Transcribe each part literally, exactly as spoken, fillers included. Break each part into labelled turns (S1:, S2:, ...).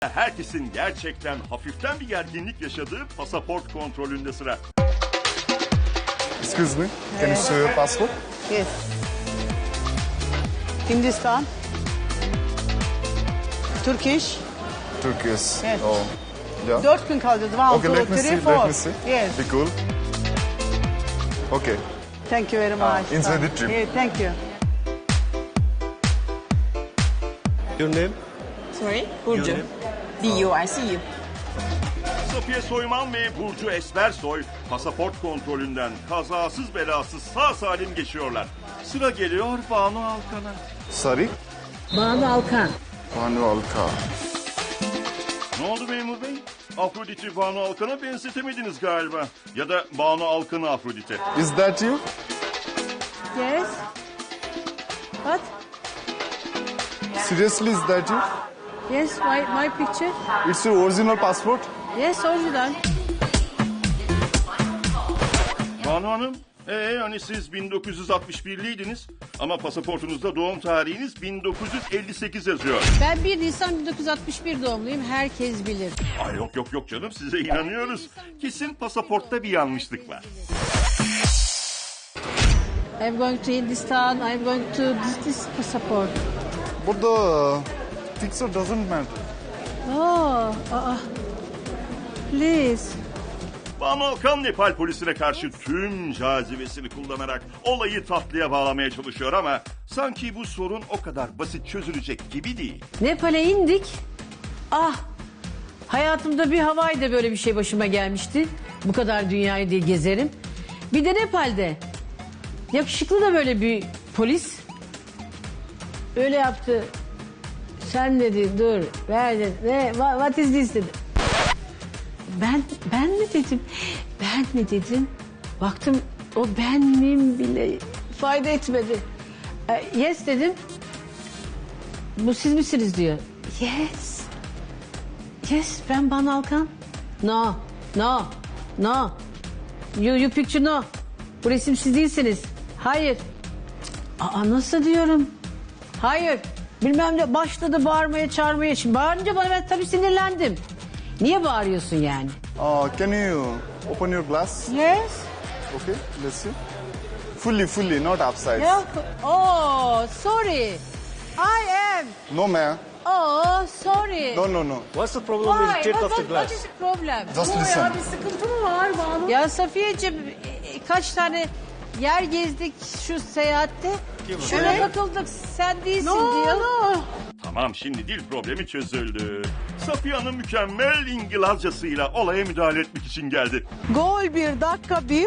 S1: Herkesin gerçekten hafiften bir gerginlik yaşadığı pasaport kontrolünde sıra.
S2: Excuse me, can you show your passport?
S3: Yes. Hindistan. Turkish.
S2: Turkish.
S3: Yes.
S2: Oh, yeah.
S3: Dört gün kalacağız. One,
S2: Okay,
S3: two,
S2: let me
S3: three,
S2: see.
S3: four.
S2: Let me see.
S3: Yes.
S2: Be cool. Okay.
S3: Thank you very much.
S2: Ah, enjoy the trip.
S3: Yeah, thank you.
S4: Your name?
S5: Sorry? Burcu. B U I C U.
S1: Safiye Soyman ve Burcu Esmersoy pasaport kontrolünden kazasız belasız sağ salim geçiyorlar. Sıra geliyor Banu Alkan'a.
S2: Sorry?
S6: Banu Alkan.
S2: Banu Alka.
S1: Ne oldu memur bey? Afrodit'i Banu Alkan'a benzetemediniz galiba. Ya da Banu Alkan'ı Afrodit'e.
S2: Is that you?
S3: Yes. What?
S2: Seriously, is that you?
S3: Yes, my, my picture.
S2: It's your original passport?
S3: Yes, original.
S1: Banu Hanım, ee, hani siz bin dokuz yüz altmış birliydiniz ama pasaportunuzda doğum tarihiniz bin dokuz yüz elli sekiz yazıyor.
S6: Ben bir Nisan bin dokuz yüz altmış bir doğumluyum. Herkes bilir.
S1: Ay yok yok yok canım, size inanıyoruz. Kesin pasaportta bir yanlışlık var.
S6: I'm going to Hindistan. I'm going to this, this passport.
S2: But the uh, picture doesn't matter.
S6: Oh, aa. Please.
S1: Banu Alkan Nepal polisine karşı tüm cazibesini kullanarak olayı tatlıya bağlamaya çalışıyor ama sanki bu sorun o kadar basit çözülecek gibi değil.
S6: Nepal'e indik. Ah. Hayatımda bir Hawaii'de böyle bir şey başıma gelmişti. Bu kadar dünyayı diye gezerim. Bir de Nepal'de. Yakışıklı da böyle bir polis. Öyle yaptı. Sen dedi dur. Ver dedi. Ne? What is this dedi. Ben, ben mi dedim? Ben mi dedim? Baktım o ben miyim bile fayda etmedi. E, yes dedim. Bu siz misiniz diyor. Yes. Yes ben Banu Alkan. No. No. No. You, you picture no. Bu resim siz değilsiniz. Hayır. Aa nasıl diyorum? Hayır. Bilmem ne başladı bağırmaya çağırmaya. Şimdi bağırınca bana ben tabii sinirlendim. Niye bağırıyorsun yani?
S2: Uh, can you open your glass?
S3: Yes.
S2: Okay, let's see. Fully, fully, not upside.
S6: Yok. Oh, sorry. I am.
S2: No, ma'am.
S6: Oh, sorry.
S2: No, no, no.
S4: What's the problem
S6: Why?
S4: with take
S6: What,
S4: off the
S6: what, what
S4: glass?
S6: is the problem?
S2: Just listen.
S3: Sıkıntı mı var Banu?
S6: Ya Safiyeciğim e, e, kaç tane yer gezdik şu seyahatte. Şuna takıldık sen değilsin
S3: No,
S6: diyor.
S3: no.
S1: Tamam, şimdi dil problemi çözüldü. Safiye Hanım mükemmel İngilizcesiyle olaya müdahale etmek için geldi.
S3: Gol bir, dakika bir.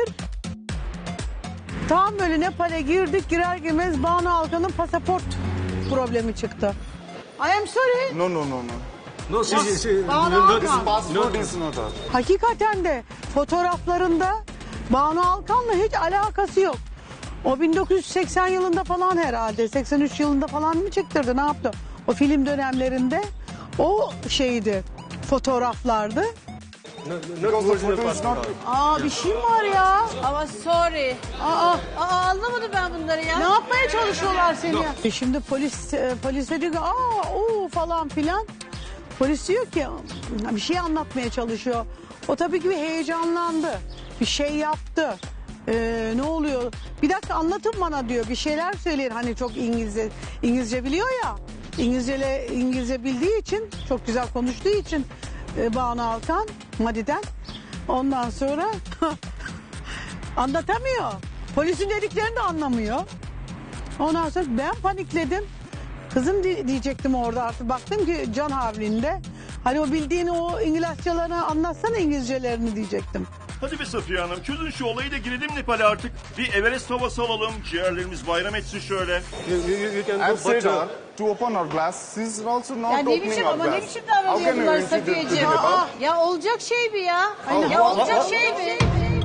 S3: Tam böyle Nepal'e girdik, girer girmez Banu Alkan'ın pasaport problemi çıktı. I am sorry.
S2: No, no, no, no.
S4: No, she, she, she,
S3: Banu
S4: no, no,
S3: Alkan.
S2: Passport is not us.
S3: Hakikaten de fotoğraflarında Banu Alkan'la hiç alakası yok. O bin dokuz yüz seksen yılında falan herhalde, seksen üç yılında falan mı çektirdi, ne yaptı? O film dönemlerinde o şeydi, fotoğraflardı.
S4: no, not
S2: Because the
S4: original
S2: photo is
S4: passport.
S2: not...
S3: Aa bir şey mi var ya?
S6: Ama sorry.
S3: Aa,
S6: Aa anlamadım ben bunları ya.
S3: ne yapmaya çalışıyorlar seni? E Şimdi polis e, polise diyor ki aa o falan filan. Polis diyor ki bir şey anlatmaya çalışıyor. O tabii ki bir heyecanlandı. Bir şey yaptı. Ee, ne oluyor? Bir dakika anlatın bana diyor. Bir şeyler söyleyin. Hani çok İngilizce İngilizce biliyor ya. İngilizce İngilizce bildiği için, çok güzel konuştuğu için e, Banu Alkan Madi'den. Ondan sonra anlatamıyor. Polisin dediklerini de anlamıyor. Ondan sonra ben panikledim. Kızım di- diyecektim orada artık. Baktım ki can havlinde. Hani o bildiğini o İngilizcelerini anlatsana İngilizcelerini diyecektim.
S1: Hadi be Safiye Hanım, çözün şu olayı da girelim Nepal'e artık. Bir Everest havası alalım, ciğerlerimiz bayram etsin şöyle.
S4: You, you, you can
S2: I've
S4: go,
S2: said
S4: but
S2: her
S4: uh,
S2: to open her glass. She's also not
S6: Ya ne
S2: opening
S6: biçim
S2: her
S6: ama ne
S2: glass.
S6: biçim
S2: How
S6: davranıyor
S2: can you
S6: bunlar
S2: introduce to
S6: Safiyeciğim?
S2: Nepal?
S6: Aa, ya olacak şey mi ya?
S2: Aynen.
S6: Ya olacak
S2: Aa,
S6: şey mi?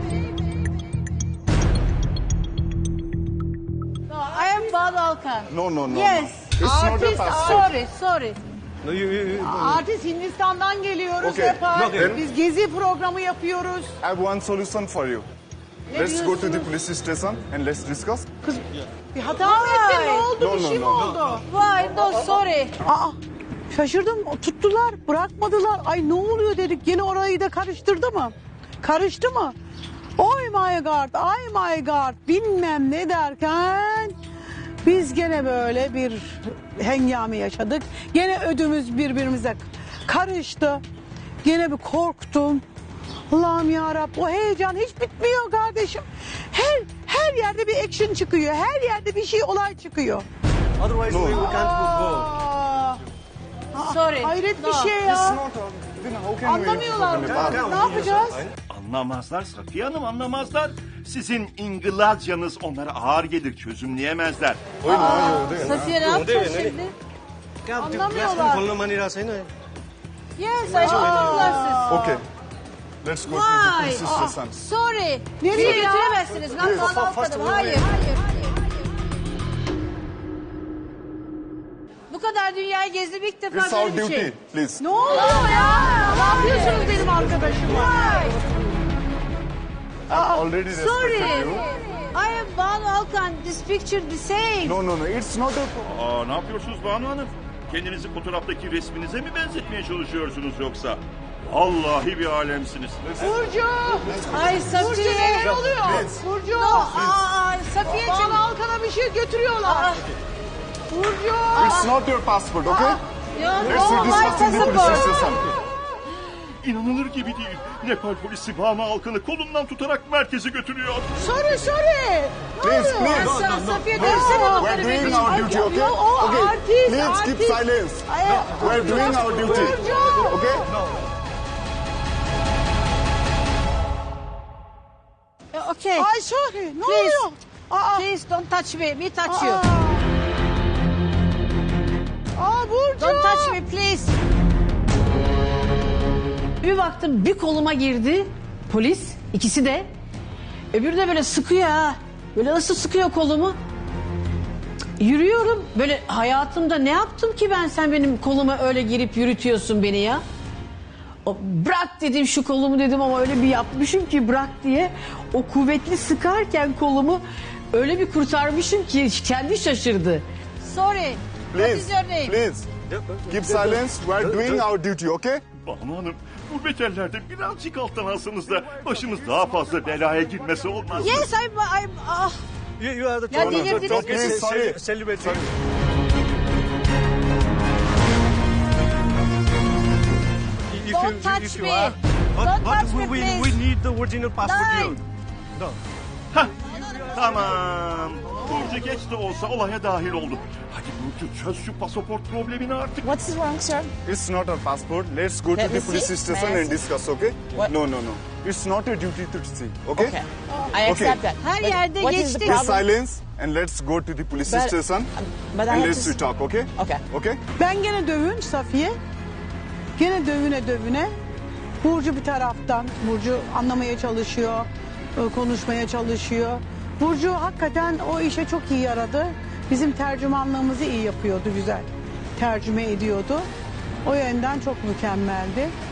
S6: No, I am Banu Alkan.
S2: No, no, no.
S6: Yes.
S2: It's not a
S3: Artist,
S2: passport.
S3: sorry, sorry.
S4: no, you, you, you,
S3: Artist Hindistan'dan geliyoruz
S2: Okay.
S3: Nepal.
S4: Okay.
S3: Biz gezi programı yapıyoruz.
S2: I have one solution for you. Let's go to the police station and let's discuss.
S3: Bir hata mı ettin? Ne oldu?
S2: No,
S3: Bir
S2: no,
S3: şey mi
S2: no.
S3: oldu?
S6: Why? No, sorry.
S3: Aa, Şaşırdım. Tuttular, bırakmadılar. Ay ne oluyor dedik. Yine orayı da karıştırdı mı? Karıştı mı? Oh my god, oh my god bilmem ne derken biz gene böyle bir hengame yaşadık. Gene ödümüz birbirimize karıştı. Gene bir korktum. Allah'ım yarabbim, o heyecan hiç bitmiyor kardeşim. Her her yerde bir action çıkıyor. Her yerde bir şey, olay çıkıyor.
S4: Otherwise, we, we can't go.
S3: Aa,
S6: Sorry.
S3: hayret bir
S6: No.
S3: şey
S2: It's
S3: ya.
S2: not. Uh, then how can we
S3: Anlamıyorlar.
S2: talk in Nepal?
S3: Ne yapacağız?
S1: Anlamazlar Safiye Hanım, anlamazlar. Sizin İngilizcanız onlara ağır gelir, çözümleyemezler.
S6: Safiye ne yapacağız şimdi?
S3: Anlamıyorlar.
S4: खोल्न मानिरहेको छैन
S6: Yes, I know.
S2: Okay. Let's go to the
S6: Why?
S2: police station.
S6: Sorry.
S3: Nereye
S6: Nereye
S3: ya?
S6: götüremezsiniz. Ben
S2: Please.
S6: sana
S4: First
S6: almadım.
S4: of all,
S6: Hayır.
S4: wait.
S6: Hayır. Bu kadar dünyayı gezdim ilk defa
S2: It's our
S6: böyle bir
S2: duty,
S6: şey.
S2: please.
S3: Ne oluyor ya? Ne yapıyorsunuz benim arkadaşıma?
S2: I've already
S6: Sorry.
S2: respected you.
S6: I am Banu Alkan. This picture the same.
S2: No, no, no. It's not a...
S1: Aa, ne yapıyorsunuz Banu Hanım? Kendinizi fotoğraftaki resminize mi benzetmeye çalışıyorsunuz yoksa? Vallahi bir alemsiniz.
S3: Burcu!
S6: Ay
S3: Burcu
S6: Safiye.
S3: neler oluyor? Burcu!
S6: No, aa, Safiye'cim.
S3: Bana Alkan'a bir şey götürüyorlar. Burcu!
S2: It's not your passport, okay?
S6: Ya,
S2: Let's
S6: no, my
S2: discuss in the police
S6: passport.
S2: station.
S1: İnanılır gibi değil. Nepal polisi Banu Alkan'ı kolundan tutarak merkeze götürüyor.
S3: Sorry, sorry.
S2: Please,
S3: Ne oluyor?
S2: please.
S6: Sa- Safiye
S2: Please,
S6: dönsene
S2: we're
S6: onları
S2: doing
S6: benim.
S2: our
S3: Ay,
S2: duty, okay?
S3: ya, o
S2: Okay,
S3: artist,
S2: please keep
S3: artist.
S2: silence.
S3: Ay,
S2: We're doing our duty,
S3: Burcu!
S2: okay?
S6: Okay.
S3: Ay sorry, ne
S6: Please.
S3: oluyor? Aa,
S6: Please don't touch me. Me touch you.
S3: aa. Aa Burcu!
S6: Don't touch me please. Bir baktım bir koluma girdi polis, ikisi de. Öbürü de böyle sıkıyor ha. Böyle nasıl sıkıyor kolumu? Yürüyorum. Böyle hayatımda ne yaptım ki ben, sen benim koluma öyle girip yürütüyorsun beni ya? O, bırak dedim şu kolumu dedim ama öyle bir yapmışım ki bırak diye. O kuvvetli sıkarken kolumu öyle bir kurtarmışım ki kendi şaşırdı. Sorry. What is
S2: Please,
S6: your name?
S2: please. Keep silence. We're doing our duty, okay?
S1: Banu Hanım, bu beterlerde birazcık alttan alsanız da başımız daha fazla belaya girmesi olmaz.
S6: Yes, I'm, I'm, ah.
S4: You, you are the
S6: Ya
S4: top-
S6: delirdiniz
S4: top
S6: mi?
S4: ce-
S2: Sorry.
S4: ce- celebrity. If
S6: Don't
S4: you-
S6: touch
S4: if you
S6: me.
S4: are- But,
S6: Don't
S4: but
S6: touch
S4: we,
S6: me,
S4: we,
S6: please.
S4: we need the original passport.
S6: Nine.
S4: You. No.
S1: Hah, tamam. Burcu geç de olsa olaya dahil oldu. Hadi Burcu çöz şu pasaport problemini artık.
S5: What's wrong, sir?
S2: It's not our passport. Let's go to
S5: Let
S2: the
S5: me
S2: police
S5: see.
S2: station
S5: May I
S2: and
S5: see?
S2: discuss, okay?
S5: What?
S2: No, no, no. It's not your duty to see, okay?
S5: Okay. I accept that.
S6: Her
S5: But
S6: yerde
S5: what is the
S6: geçtik.
S2: Please
S5: problem?
S2: silence and let's go to the police
S5: But-
S2: station
S5: But I
S2: and
S5: have
S2: let's
S5: to...
S2: talk, okay?
S5: Okay.
S2: Okay?
S3: Ben gene dövün Safiye. Gene dövüne dövüne. Burcu bir taraftan. Burcu anlamaya çalışıyor. e, Konuşmaya çalışıyor. Burcu hakikaten o işe çok iyi yaradı. Bizim tercümanlığımızı iyi yapıyordu, güzel. Tercüme ediyordu. O yönden çok mükemmeldi.